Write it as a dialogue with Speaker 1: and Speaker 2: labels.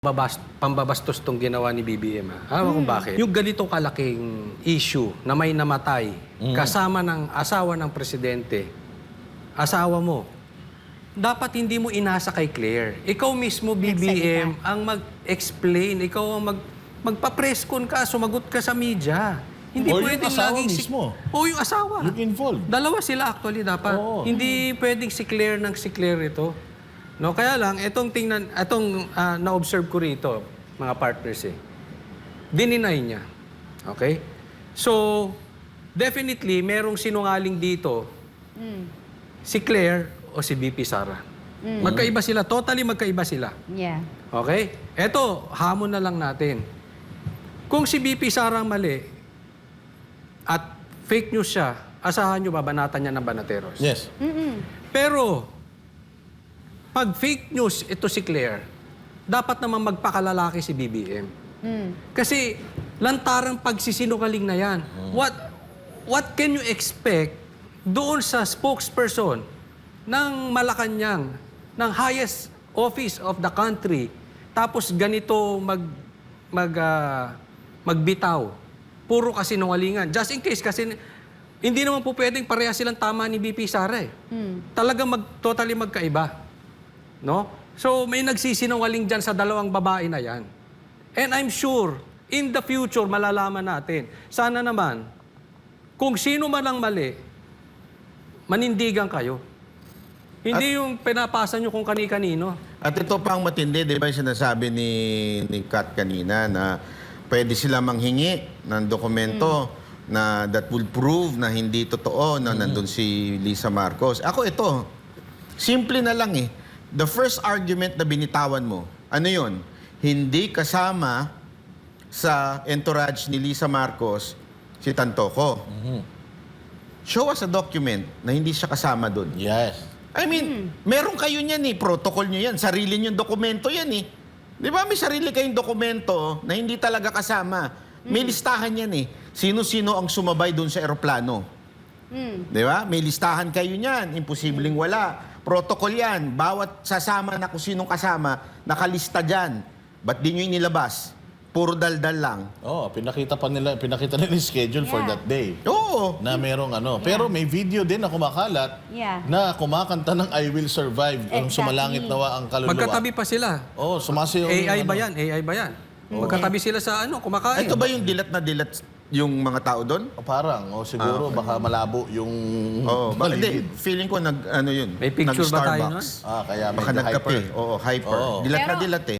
Speaker 1: Pambabastos tong ginawa ni BBM. Alam kung bakit? Yung ganitong kalaking issue na may namatay kasama ng asawa ng presidente, asawa mo, dapat hindi mo inasa kay Claire. Ikaw mismo, BBM, ang mag-explain. Ikaw ang magpa-press con ka, sumagot ka sa media. Hindi
Speaker 2: O yung
Speaker 1: pwedeng
Speaker 2: asawa
Speaker 1: laging
Speaker 2: mismo.
Speaker 1: O yung asawa.
Speaker 2: Yung involved.
Speaker 1: Dalawa sila actually dapat.
Speaker 2: Oo.
Speaker 1: Hindi pwedeng si Claire ng si Claire ito. No, kaya lang itong na-observe ko rito, mga partners dininay niya. Okay? So, definitely merong sinungaling dito. Si Claire o si BP Sara. Magkaiba sila, totally magkaiba sila.
Speaker 3: Yeah.
Speaker 1: Okay? Eto, hamon na lang natin. Kung si BP Sara ang mali at fake news siya, asahan nyo babanatan niya ng banateros.
Speaker 2: Yes.
Speaker 1: Pero, pag fake news ito si Claire, dapat naman magpakalalaki si BBM. Kasi lantarang pagsisinungaling na yan. What can you expect doon sa spokesperson ng Malacanang, ng highest office of the country, tapos ganito magbitaw? Puro kasinungalingan. Just in case, kasi hindi naman po pwedeng pareha silang tama ni BP Sara Talagang totally magkaiba. No? So, may nagsisinungaling dyan sa dalawang babae na yan. And I'm sure, in the future, malalaman natin. Sana naman, kung sino man ang mali, manindigan kayo. Hindi yung pinapasa nyo kung kani-kanino.
Speaker 4: At ito pang matindi, di ba yung sinasabi ni Kat kanina na pwede sila manghingi ng dokumento na that will prove na hindi totoo na nandun si Lisa Marcos. Ako ito, simple na lang The first argument na binitawan mo, ano yun? Hindi kasama sa entourage ni Lisa Marcos si Tantoco. Show us a document na hindi siya kasama doon.
Speaker 2: Yes.
Speaker 4: I mean, meron kayo niyan protocol nyo yan, sarili nyo dokumento yan Di ba may sarili kayong dokumento na hindi talaga kasama? May listahan yan Sino-sino ang sumabay doon sa eroplano? Di ba? May listahan kayo niyan, imposibleng wala. Protocol yan, bawat sasama na kung sinong kasama, nakalista dyan. Ba't di nyo inilabas? Puro daldal lang.
Speaker 2: Pinakita nila yung schedule for that day.
Speaker 4: Oo.
Speaker 2: Na merong Pero may video din na kumakalat na kumakanta ng I Will Survive. Ang sumalangit nawa ang kaluluwa.
Speaker 1: Magkatabi pa sila.
Speaker 2: Sumasayaw
Speaker 1: AI ba yan? AI ba yan? Magkatabi sila sa kumakain.
Speaker 4: Ito ba yung dilat na dilat yung mga tao doon?
Speaker 2: Parang, siguro baka malabo yung
Speaker 4: Hindi, feeling ko yun.
Speaker 1: May picture ba tayo nun?
Speaker 4: Nag-Starbucks.
Speaker 2: kaya
Speaker 4: Baka
Speaker 2: medyo
Speaker 4: nagkape.
Speaker 2: hyper.
Speaker 4: Oo, hyper. Dilat na dilat